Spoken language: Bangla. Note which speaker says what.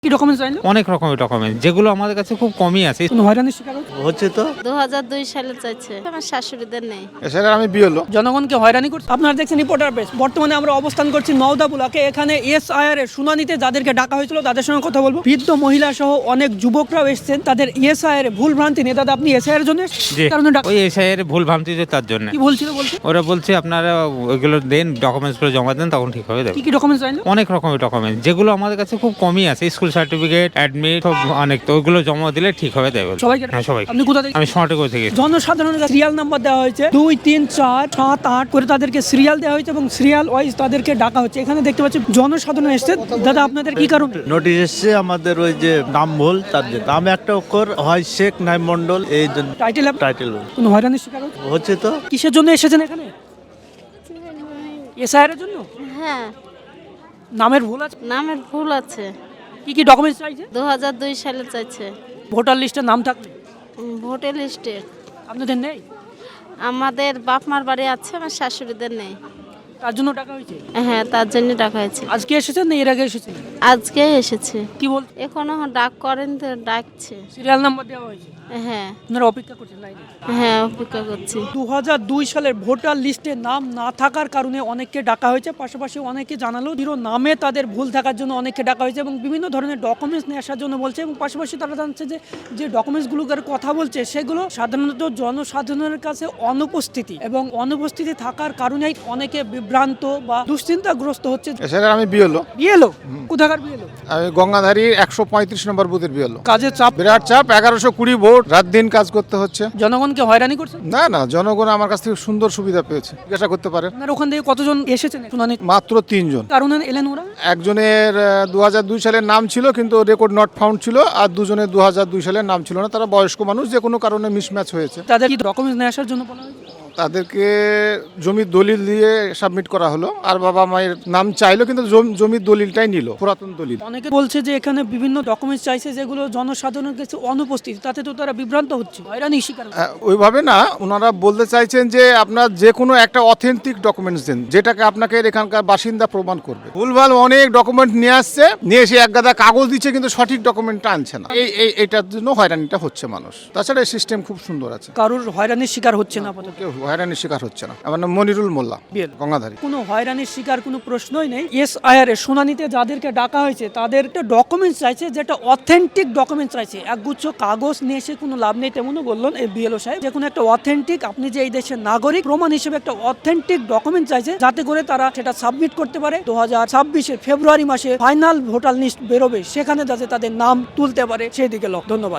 Speaker 1: কি ডকুমেন্টস চাইলো?
Speaker 2: অনেক রকমের ডকুমেন্ট যেগুলো আমাদের কাছে খুব কমই আছে।
Speaker 1: কোনো হয়রানির শিকার
Speaker 3: হচ্ছে তো
Speaker 4: 2002 সালে চাইছে, আমার শাশুড়িদের নেই।
Speaker 3: এছাড়া আমি বিয়েলো
Speaker 1: জনগণকে হয়রানি করছে। আপনারা দেখছেন রিপোর্টার প্রেস। বর্তমানে আমরা অবস্থান করছি নওদা বুলাকে। এখানে এসআইআর এর শুনানিতে যাদেরকে ডাকা হয়েছিল তাদের সঙ্গে কথা বলবো। বৃদ্ধ মহিলা সহ অনেক যুবকরাও এসেছেন। তাদের এসআইআর এর ভুল ভ্রান্তি নিয়ে দাদা আপনি এসআইআর এর জন্য
Speaker 2: যে
Speaker 1: কারণে
Speaker 2: ওই এসআইয়ের ভুল ভ্রান্তি যে তার জন্য
Speaker 1: কি বলছিল বলছে?
Speaker 2: ওরা বলছে আপনারা ওইগুলো দেন, ডকুমেন্টসগুলো জমা দেন, তখন ঠিক হবে দেবে।
Speaker 1: কি কি ডকুমেন্টস চাইলো?
Speaker 2: অনেক রকমের ডকুমেন্ট যেগুলো আমাদের কাছে খুব কমই আছে। স্কুল সার্টিফিকেট, অ্যাডমিট, সব অনেক, তো ওইগুলো জমা দিলে ঠিক হবে দেবে।
Speaker 1: সবাইকে?
Speaker 2: হ্যাঁ, সবাই।
Speaker 1: আপনি কোথা থেকে?
Speaker 2: আমি স্মার্টকো থেকে।
Speaker 1: জনসাধারণের সিরিয়াল নাম্বার দেওয়া হয়েছে 2, 3, 4, 7, 8 করে তাদেরকে সিরিয়াল দেওয়া হয়েছে এবং সিরিয়াল ওয়াইজ তাদেরকে ডাকা হচ্ছে। এখানে দেখতে পাচ্ছি জনসাধারণ এসেছে। দাদা আপনাদের কি কারণে?
Speaker 3: নোটিশ এসছে আমাদের ওই যে নাম ভুল, তার জন্য নাম একটা অক্ষর হয় শেখ নাইম মন্ডল, এই জন্য
Speaker 1: টাইটেল
Speaker 3: টাইটেল
Speaker 1: কোনো হয়রানির শিকার
Speaker 3: হচ্ছে তো।
Speaker 1: কিসের জন্য এসেছেন এখানে? এসআইআর এর জন্য?
Speaker 4: হ্যাঁ,
Speaker 1: নামের ভুল আছে?
Speaker 4: নামের ভুল আছে।
Speaker 1: কি কি ডকুমেন্টস চাইছে?
Speaker 4: 2002 সালে চাইছে।
Speaker 1: ভোটার লিস্টে নাম থাকলে
Speaker 4: ভোটার লিস্টে
Speaker 1: আপনাদের নেই,
Speaker 4: আমাদের বাপ মার বাড়ি আছে, আমার শাশুড়িদের নেই।
Speaker 1: তার জন্য টাকা হয়েছে।
Speaker 4: হ্যাঁ, তার জন্য ডাকা হয়েছে।
Speaker 1: আজকে এসেছেন না এর আগে এসেছেন?
Speaker 4: আজকে এসেছে।
Speaker 1: কি বল?
Speaker 4: এখনো ডাক করেন তো, ডাকছে।
Speaker 1: সিরিয়াল নাম্বার দেওয়া হয়েছে,
Speaker 4: হ্যাঁ
Speaker 1: আপনারা অপেক্ষা করছেন লাইনে।
Speaker 4: হ্যাঁ, অপেক্ষা করছি।
Speaker 1: 2002 সালের ভোটার লিস্টে নাম না থাকার কারণে অনেককে ডাকা হয়েছে। পাশাপাশি অনেকে জানালো জিরো নামে তাদের ভুল থাকার জন্য অনেককে ডাকা হয়েছে এবং বিভিন্ন ধরনের ডকুমেন্টস নিয়ে আসার জন্য বলছে। এবং পাশাপাশি তারা জানছে যে যে ডকুমেন্টসগুলোর কথা বলছে সেগুলো সাধারণত জনসাধারণের কাছে অনুপস্থিতি এবং অনুপস্থিতি থাকার কারণেই অনেকে বিভ্রান্ত বা দুশ্চিন্তাগ্রস্ত হচ্ছে।
Speaker 3: এছাড়া আমি বিয়েলো
Speaker 1: বিএলও কোথাকার বিএলও?
Speaker 3: আমি গঙ্গাধারী 135 নম্বর বুথের বিয়েলো।
Speaker 1: কাজের চাপ,
Speaker 3: বিরাট চাপ, 1120 ভোট, রাত দিন কাজ করতে হচ্ছে।
Speaker 1: জনগণকে হয়রানি করছে।
Speaker 3: না না, জনগণ আমার কাছ থেকে সুন্দর সুবিধা পেয়েছে, জিজ্ঞাসা করতে পারে।
Speaker 1: আপনার ওখান থেকে কতজন এসেছেন শুনানি?
Speaker 3: মাত্র 3 জন।
Speaker 1: কারণে এলেন ওরা?
Speaker 3: একজনের 2002 সালের নাম ছিল কিন্তু রেকর্ড নট ফাউন্ড ছিল, আর দুজনের 2002 সালের নাম ছিল না। তারা বয়স্ক মানুষ, যে কোনো কারণে মিসম্যাচ হয়েছে।
Speaker 1: তাদের কি ডকুমেন্টস নিয়ে আসার জন্য বলা হয়েছে?
Speaker 3: তাদেরকে জমির দলিল দিয়ে সাবমিট করা হলো, আর বাবা মায়ের নাম চাইলো কিন্তু জমির দলিলটাই নিল, পুরাতন দলিল।
Speaker 1: অনেকে বলছে যে এখানে বিভিন্ন ডকুমেন্টস চাইছে যেগুলো জনসাধারণের কাছে অনুপস্থিত, তাতে তো তারা বিভ্রান্ত হচ্ছে, হয়রানি শিকার হচ্ছে।
Speaker 3: ওইভাবে না, ওনারা বলতে চাইছেন যে আপনার যে কোনো একটা অথেন্টিক ডকুমেন্টস দেন, যেটাকে আপনাকে এখানকার বাসিন্দা প্রমাণ করবে। ভুলভাল অনেক ডকুমেন্ট নিয়ে আসছে, নিয়ে এসে এক গাদা কাগজ দিচ্ছে কিন্তু সঠিক ডকুমেন্টটা আনছে না। এইটার জন্য হয়রানিটা হচ্ছে মানুষ। তাছাড়া এই সিস্টেম খুব সুন্দর আছে,
Speaker 1: কারোর হয়রানির শিকার হচ্ছে না আপাতত।
Speaker 3: কেউ হয়রানির শিকার হচ্ছে না। আমার নাম মনিরুল মোল্লা,
Speaker 1: বিএল।
Speaker 3: গঙ্গাধারী।
Speaker 1: কোনো হয়রানির শিকার কোনো প্রশ্নই নেই। এসআইআর এর শুনানিতে যাদেরকে ডাকা হয়েছে তাদের একটা ডকুমেন্টস চাইছে, যেটা অথেন্টিক ডকুমেন্টস চাইছে। একগুচ্ছ কাগজ নিয়ে এসে কোনো লাভ নেই, তেমনও বললেন এই বিএলও সাহেব। যে কোনো একটা অথেন্টিক, আপনি যে এই দেশের নাগরিক প্রমাণ হিসেবে একটা অথেন্টিক ডকুমেন্ট চাইছে, যাতে করে তারা সেটা সাবমিট করতে পারে। 2026 ফেব্রুয়ারি মাসে ফাইনাল ভোটার লিস্ট বেরোবে, সেখানে যাতে তাদের নাম তুলতে পারে, সেদিকে লক্ষ্য। ধন্যবাদ।